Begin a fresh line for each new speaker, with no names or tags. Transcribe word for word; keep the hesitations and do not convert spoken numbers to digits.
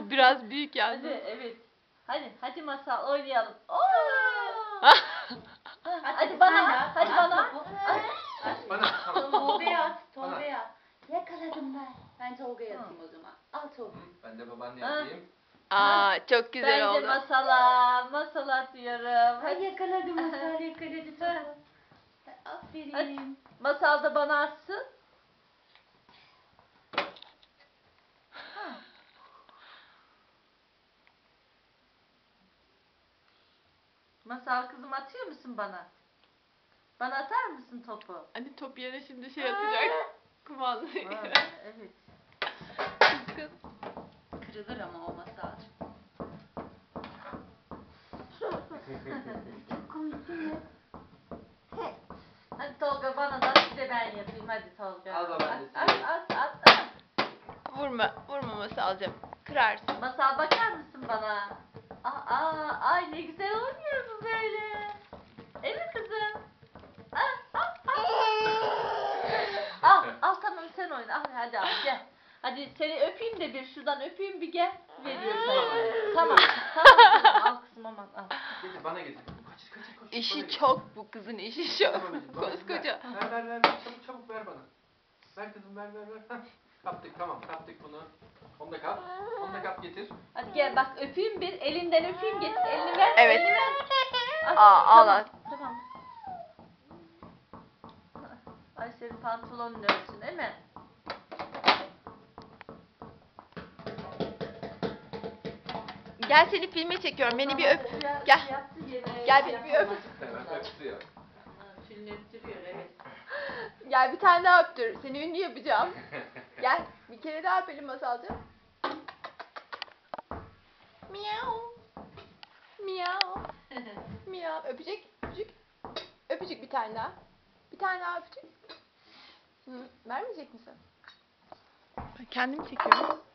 Bu biraz büyük
Hadi
yalnız.
evet. Hadi hadi masal oynayalım. Oo!
Hadi,
Hadi bana
sen de
at,
at,
hadi
at
bana
topu.
at.
Bana tamam.
Tolga'ya at,
Bana.
Tolga'ya at. Yakaladım ben. Ben Tolga'ya atayım o zaman. Al Tolga.
Ben de babaanne yapayım.
Aa çok güzel
Ben de
oldu.
masala, masal atıyorum.
Ay
Hadi.
yakaladım Masal, yakaladı topu. Aferin.
Hadi. Masal da bana atsın. Masal kızım atıyor musun bana? Bana atar mısın topu?
Hani top yerine şimdi şey atacak. Kumandayı.
Aa, evet.
Kız.
Kırılır ama o Masal. Çok komik değil mi?
Hadi Tolga bana da bir de ben yapayım. Hadi Tolga.
Al babaannesi.
At at at at.
Vurma, vurma Masalcığım. Kırarsın.
Masal bakar mısın bana? Aa, aa, ay ne güzel oynuyor bu böyle. Evet kızım. Al, al, al. Al, al tamam sen oyna. Al, hadi al gel. Hadi seni öpeyim de bir şuradan öpeyim bir gel. Veriyorum sana. Tamam, tamam kızım. Al kızım aman al.
Getir bana getir. Kaç kaç koş.
İşi
bana getir.
çok bu kızın işi çok.
Tamam, anneciğim, bana
Koskoca.
Ver ver ver ver. Çabuk çabuk ver bana. Ver kızım ver ver ver. Hah. Kaptık tamam kaptık bunu. Onu da kap. Onu da kap getir.
Hadi gel bak öpeyim bir. Elinden öpeyim getir. Elini ver.
Evet.
Elini ver. Al,
Aa, al,
tamam,
al.
Tamam. Ay senin pantolonun ölsün değil mi?
Gel seni filme çekiyorum. Beni bir öp.
Biraz
Gel.
yaptı gene,
Gel beni bir öp.
yapamadı.
Evet öptürüyor.
Ha, Tünlettiriyor evet.
Gel bir tane daha öptür. Seni ünlü yapacağım. Gel. Bir kere daha öpelim Masalcığım. Miau. Miau. Miau. Öpecek. Öpecek. Öpecek bir tane daha. Bir tane daha öpecek. Hı, vermeyecek misin? Kendim çekiyorum.